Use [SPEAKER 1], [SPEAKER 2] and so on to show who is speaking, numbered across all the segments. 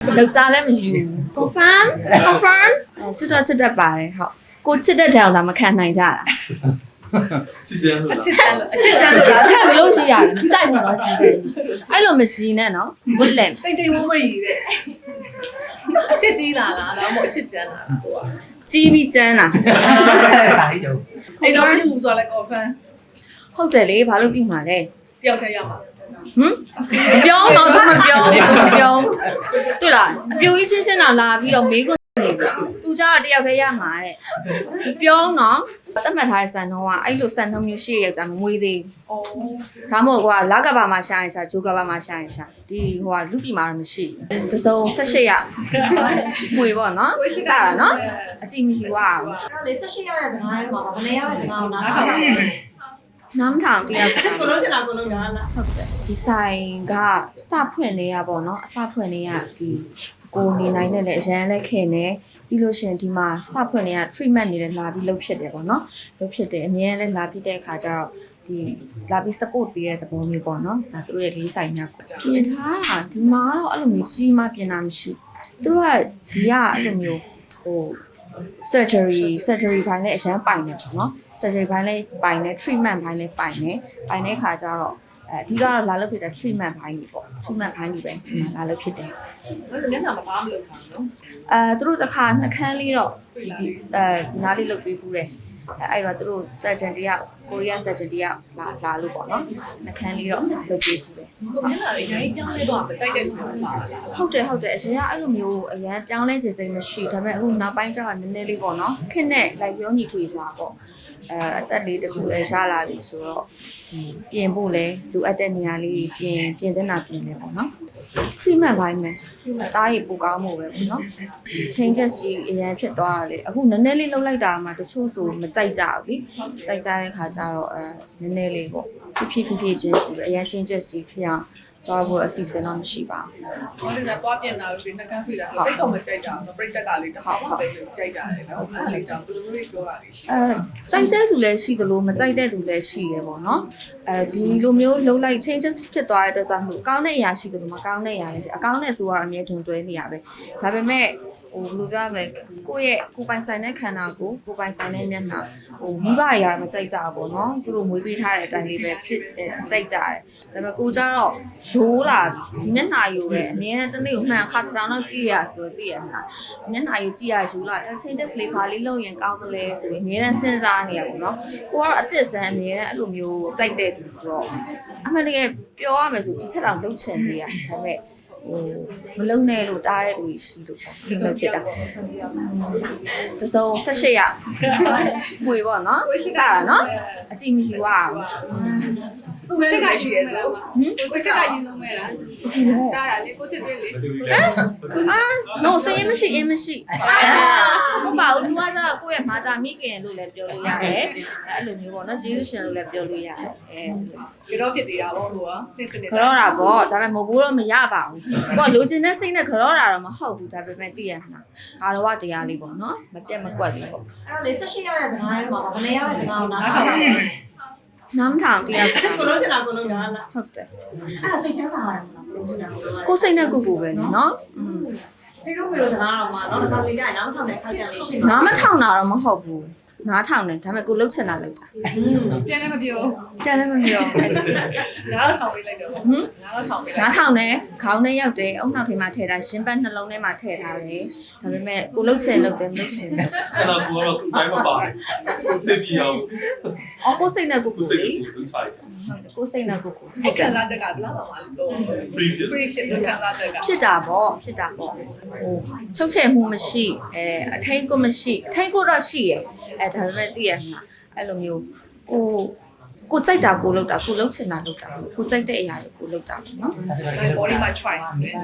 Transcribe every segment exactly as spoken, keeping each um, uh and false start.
[SPEAKER 1] လောက်စားလည်းမယူ confirm confirm အဲချစ်တော့ချစ်တတ်ပါတယ်ဟုတ်ကိုချစ်တတ်တယ်အောင်ဒါမခံနိုင်ကြတာ
[SPEAKER 2] ချစ်ကြလို့
[SPEAKER 1] ချစ်ကြလို့ချစ်ကြလို့လားခံလို့ရှိရတယ်ကြိုက်မှာတော့ရှိတယ်အဲ့လိုမရှိနဲ့နော်ဝတ်လက်
[SPEAKER 3] တိတ်တိတ်ဝဝကြီးတဲ့အချစ်ကြီးလာလားဒါမှမဟုတ်အချစ်ကျန်းလာလားကိုက
[SPEAKER 1] ကြီးပြီးကျန်းလာ
[SPEAKER 3] အဲ့တော့ပြုမှုဆိုလဲ confirm
[SPEAKER 1] ဟုတ်တယ်လေဘာလို့ပြုမှာလဲ
[SPEAKER 3] တယောက်တည်းရမှာ
[SPEAKER 1] ဟမ်ပြောတော့သူမပြောမပြောတွေ့လားအပြိုကြီးရှင်းရှင်းတော့လာပြီးတော့မေးခွန်းနေပြီသူကြတော့တယောက်တည်းရမှာတဲ့ပြောတော့သတ်မှတ်ထားတဲ့စံနှုန်းကအဲ့လိုစံနှုန်းမျိုးရှိရဲ့ကြာမမွေးသေးဘူး။ဒါမှမဟုတ်ကွာလကဘာမှာရှာရင်ရှာဂျိုကဘာမှာရှာရင်ရှာဒီဟိုကလူပြည်မှာတော့မရှိဘူး။တစုံ၁၈ရမွေပေါ့နော်။စတာနော်။အတိမရှိွားဘူး
[SPEAKER 4] ။အဲ့တော့လေ၁၈ရက်ရဲ့စကားထဲမှာဗနေရရဲ့စကားကိုနားထောင်ပါ
[SPEAKER 1] နားမထောင်တရားစကား
[SPEAKER 4] ကိုလုံးချင်တာကိုလုံးရလား
[SPEAKER 1] ဟုတ်တယ်ဒီဆိုင်ကစဖွင့်နေရပေါ့နော်အစဖွင့်နေရဒီကိုနေနိုင်တဲ့လေအရန်လက်ခင်နေပြီးလို့ရှိရင်ဒီမှာစဖွင့်နေရ treatment နေတယ်လာပြီးလုပ်ဖြစ်တယ်ပေါ့နော်လုပ်ဖြစ်တယ်အများနဲ့လာပြီးတဲ့အခါကျတော့ဒီလာပြီး support ပေးတဲ့သဘောမျိုးပေါ့နော်ဒါသူတို့ရဲ့လေးဆိုင်များပြင်ထားတာဒီမှာတော့အဲ့လိုမျိုးကြီးမှပြင်တာမရှိသူတို့ကဒီကအဲ့လိုမျိုးဟို surgery surgery ဘိုင်းလည်းအရန်ပိုင်နေပေါ့နော် surgery ဘိုင်းလည်းပိုင်နေ treatment ဘိုင်းလည်းပိုင်နေပိုင်တဲ့အခါကျတော့အဲအဓိကတော့လာလို့ဖြစ်တဲ့ treatment ဘိုင်းကြီးပေါ့ treatment ဘိုင်းကြီးပဲဒီမှာလာလို့ဖြစ်တယ်
[SPEAKER 3] အဲ့လိုမျက်နှာမပါမလို့ခါနော်
[SPEAKER 1] အဲသူတို့တစ်ခါနှခမ်းလေးတော့ဒီအဲဒီနားလေးလုပ်ပေးဖူးတယ်အဲအဲ့တော့သူတို့ surgeon တယောက် Korean surgeon တယောက်လာလာလို့ပေါ့နော်နှခမ်းလေးတော့လုပ်ပေးဖူးတယ်
[SPEAKER 3] ကိုမျက်နှာလေးအရင်ပြောင်းလဲတော့မကြိုက်တဲ့လူတွေပါလား
[SPEAKER 1] ဟုတ်တယ်ဟုတ်တယ်အရင်ကအဲ့လိုမျိုးအရင်ပြောင်းလဲခြင်းစိတ်မရှိဒါပေမဲ့အခုနောက်ပိုင်းကျတော့နည်းနည်းလေးပေါ့နော်ခက်နဲ့လိုက်ပြောညီထွေစားပေါ့အဲအသက်လေးတခုလည်းရလာပြီဆိုတော့ဒီပြင်ဖို့လဲလိုအပ်တဲ့နေရာလေးပြင်ပြင်တဲ့နာပြင်နေပေါ့နော် treatment ဘိုင်းမယ်တားရပိုကောင်းမှုပဲပေါ့နော် changes ကြီးအရင်ဖြစ်သွားတယ်အခုနည်းနည်းလေးလှုပ်လိုက်တာမှတချို့ဆိုမကြိုက်ကြဘူးလေကြိုက်ကြတဲ့ခါကျတော့အဲနည်းနည်းလေးပေါ့ဖြည်းဖြည်းဖြည်းချင်းစီပဲအရင် changes ကြီးဖြစ်အောင်သွားဖို့အစီအစဉ်တော့မရှိပါ
[SPEAKER 3] ဘူး။ဟောဒီကသွားပြင်တာပြီးနှကန်းဖိတာအဲ့တော့မကြိုက်တာမပြိတ္တကလေးတစ်ခါမှပဲကြိုက်ကြတယ်နော်။အဲ့ဒါလေးကြောင့်ဘယ်လိုလေးပြောတာလေးရှိ
[SPEAKER 1] ။အဲကြိုက်တဲ့သူလည်းရှိသလိုမကြိုက်တဲ့သူလည်းရှိရပေါ့နော်။အဲဒီလိုမျိုးလှုပ်လိုက် changes ဖြစ်သွားတဲ့အတွက်ဆိုမှကောင်းတဲ့အရာရှိသလိုမကောင်းတဲ့အရာလည်းရှိအကောင်းတဲ့ဆိုတော့အမြဲတွင်တွဲနေရပဲ။ဒါပေမဲ့ဟိုဘယ်လိုပြောရမလဲကိုယ့်ရဲ့ကိုယ်ပိုင်ဆိုင်တဲ့ခန္ဓာကိုကိုယ်ပိုင်ဆိုင်တဲ့မျက်နှာဟိုမိဘအရာမကြိုက်ကြဘူးပေါ့နော်သူတို့မွေးပေးထားတဲ့အတိုင်းလေးပဲဖြစ်ကြိုက်ကြတယ်ဒါပေမဲ့ကိုကြတော့ရိုးလာဒီမျက်နှာရိုးပဲအနည်းနဲ့တစ်နေ့ကိုမှန်ခါတောင်တော့ကြည့်ရဆိုတော့သိရမှာမျက်နှာရိုးကြည့်ရရိုးလာ changes လေးပါလေးလုပ်ရင်ကောင်းမလဲဆိုပြီးအများနဲ့စဉ်းစားနေရပေါ့နော်ကိုကတော့အသစ်ဆန်းအများနဲ့အဲ့လိုမျိုးကြိုက်တဲ့သူဆိုတော့အမှန်တကယ်ပြောရမယ်ဆိုဒီထက်တောင်လုပ်ချင်နေရဒါပေမဲ့ဟိုမလုံနဲ့လို့တားတဲ့လူရှိလို့ပေါ့ဒီလိုဖြစ်တာတစုံ၁၈ရမွေပေါ့နော်စတာနော်အတိမရှိွား
[SPEAKER 3] စုမဲကရှိရဲဆိုဟမ်ကိုစစ်ကရင်ဆုံးမဲလားတားရလေကိုစစ်တွေးလေ
[SPEAKER 1] အာ no စရင်မရှိအင်းမရှိမပါဘူး तू ကဆိုကိုယ့်ရဲ့မာတာမိခင်လို့လည်းပြောလို့ရတယ်အဲ့လိုမျိုးပေါ့နော်ကျေးဇူးရှင်လို့လည်းပြောလို့ရတယ်
[SPEAKER 3] အဲကြောဖြစ်သေးတာပေါ့ကိုကသိစနေ
[SPEAKER 1] ခရောတာပေါ့ဒါပေမဲ့မဟုတ်ဘူးတော့မရပါဘူးကိုကလိုချင်တဲ့စိတ်နဲ့ခရောတာတော့မဟုတ်ဘူးဒါပေမဲ့သိရမှာခါတော့တရားလေးပေါ့နော်မပြတ်မကွက်လေးပေါ့
[SPEAKER 4] အဲ့တော့လေ၁၈ရက်ရဲ့စကားထဲမှာဗနေရရဲ့စကားကိုနားထောင်ပါ
[SPEAKER 1] နားမထောင်တရားစကား
[SPEAKER 4] ကိုလုံးချင်တာကိုလုံးရလား
[SPEAKER 1] ဟုတ်တယ်
[SPEAKER 4] အဲ့ဒါစိတ်ချမ်းသာရတယ်မလားကိုလုံးချင်တာကို
[SPEAKER 1] ကိုစိတ်နဲ့ကိုကိုပဲလေနော်อืม
[SPEAKER 4] ဖေတို့မေတို့စကားတော့မှာနော်တစ်ခါလေးကြရင်နားမထောင်တဲ့ခါကြလေးရှိမှာ
[SPEAKER 1] နားမထောင်တာတော့မဟုတ်ဘူးနားထောင်တယ်ဒါပေမဲ့ကိုလှုပ်ချင်တာလှုပ်တာ
[SPEAKER 3] ပြန်လည်းမပြော
[SPEAKER 1] ပြန်လည်းမပြောအဲ့လို
[SPEAKER 3] နားတော့ထောင်ပေးလိုက်တော့ဟမ်နားတော့ထောင်ပေးလိုက်
[SPEAKER 1] နားထောင်တယ်ခေါင်းထဲရောက်တယ်အုံနောက်ထဲမှာထည့်ထားရှင်ပတ်နှလုံးထဲမှာထည့်ထားတယ်ဒါပေမဲ့ကိုလှုပ်ချင်လှုပ်တယ်မလှုပ်ချင်ဘူး
[SPEAKER 2] အဲ့တော့ကိုကတော့တိုင်းမပါတယ်စိတ်ပြအောင်
[SPEAKER 1] အော်ကိုစိတ်နဲ့ကိုကို
[SPEAKER 2] စိတ်ကိုသူထိုက်
[SPEAKER 1] ကိုစိတ်နဲ့ကိုကို
[SPEAKER 3] အဲ့ခံစားချက်ကဘယ်လောက်တော့မှလို့
[SPEAKER 2] free ဖြစ်
[SPEAKER 3] free ဖြစ်လို့ခံစားချက်က
[SPEAKER 1] ဖြစ်တာပေါ့ဖြစ်တာပေါ့ဟိုချုပ်ချယ်မှုမရှိအဲအထိန်ကိုမရှိအထိန်ကိုတော့ရှိရဲ့အဲဒါပေမဲ့သိရမှာအဲ့လိုမျိုးကိုကိုကြိုက်တာကိုလုပ်တာကိုလုပ်ချင်တာလုပ်တာကိုကြိုက်တဲ့အရာကိုလုပ်တာပေါ့နော်
[SPEAKER 3] body my choice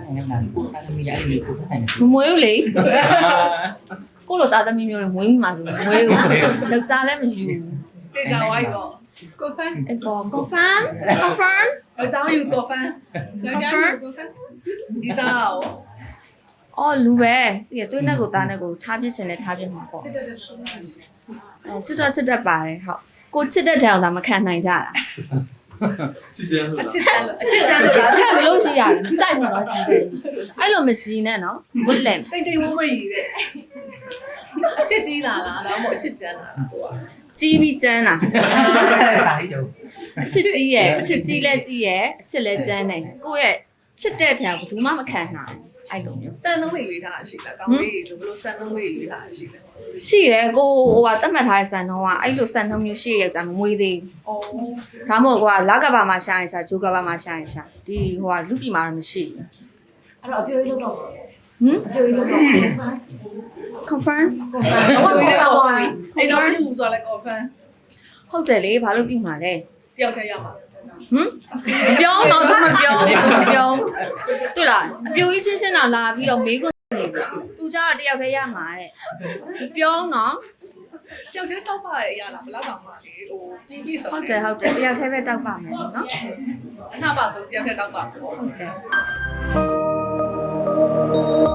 [SPEAKER 1] မမွေးဘူးလေကိုလိုသားသမီးမျိုးတွေမွေးမိမှာဆိုမွေးဘူးယောက်ျားလည်းမယူ
[SPEAKER 3] တေချာဝိုင်းတော့ confirm
[SPEAKER 1] အပေါ် confirm confirm
[SPEAKER 3] အကြောင်းယူ confirm ယောက်ျားယူ confirm ဒီစားအောင်
[SPEAKER 1] အော်လူပဲဒီသွေးနဲ့ကိုသားနဲ့ကိုထားပြစ်စင်နဲ့ထားပြစ်မှာပေါ့
[SPEAKER 3] စစ်တဲ့
[SPEAKER 1] အဲချစ်တော့ချစ်တတ်ပါတယ်ဟုတ်ကိုချစ်တတ်တယ်အောင်ဒါမခံနိုင်ကြတာ
[SPEAKER 2] 期间是
[SPEAKER 3] အ
[SPEAKER 2] 吧
[SPEAKER 3] ချစ်ချမ်းလို့
[SPEAKER 1] အချစ်ချမ်းလို့လားခက်ဘလို့ရှိရတယ်စိုက်မှာတော့ရှိတယ်အဲ့လိုမရှိနဲ့နော်ဝတ်လန်
[SPEAKER 3] တိတ်တိတ်ဝဝကြီးတဲ့အချစ်ကြီးလာလားဒါမှမဟုတ်အချစ်ချမ်းလာလားကိုက
[SPEAKER 1] ကြီးပြီးကျန်းလား
[SPEAKER 5] ဒါကြီးတော့
[SPEAKER 1] အချစ်ကြီးရဲ့အချစ်ကြီးလည်းကြီးရဲ့အချစ်လည်းကျန်းတယ်ကိုယ့်ရဲ့ချစ်တဲ့ထံဘယ်သူမှမခံနိုင်အဲ့လိုမျိုး
[SPEAKER 3] စံနှုန်းလေးလေးထားရှိလားကောင်းလေးဆိုဘလို့စံနှုန်းလေးလေးထားရှိလဲ
[SPEAKER 1] ရှိတယ်ကိုဟိုကတတ်မှတ်ထားတဲ့စံနှုန်းကအဲ့လိုစံနှုန်းမျိုးရှိရဲ့ကြာမမွေးသေး
[SPEAKER 3] အော်
[SPEAKER 1] ဘူးဒါမှမဟုတ်ကွာလကဘာမှာရှာရင်ရှာဂျိုကဘာမှာရှာရင်ရှာဒီဟိုကလူပြည်မှာတော့မရှိဘူး
[SPEAKER 4] အဲ့တော့အပြိုကြီးလို့တော့
[SPEAKER 1] ဟမ်
[SPEAKER 4] အပြိုကြီးလို့တော့
[SPEAKER 1] confirm
[SPEAKER 3] တော့ဝေးတဲ့ကော်ဖန်အဲ့တော့ပြုဆိုလဲကော်ဖန်
[SPEAKER 1] ဟုတ်တယ်လေဘာလို့ပြည်မှာလဲ
[SPEAKER 3] တယောက်တည်းရမှာ
[SPEAKER 1] ဟမ်ပြောတော့သူမပြောဘူးမပြောတွေ့လားအပြိုကြီးချင်းချင်းတော့လာပြီးတော့မေးခွန်းနေပြီသူကြတော့တယောက်တည်းရမှာတဲ့ပြောတော့
[SPEAKER 3] တယောက်တည်းတောက်ပါရရလားဘလောက်တောင်မှလေဟိုကြီးကြီးဆို
[SPEAKER 1] ဟုတ်တယ်ဟုတ်တယ်တယောက်တည်းပဲတောက်ပါမယ်နော်
[SPEAKER 3] အနာပါဆိုတယောက်တည်းတောက်ပါ
[SPEAKER 1] ဟုတ်တယ်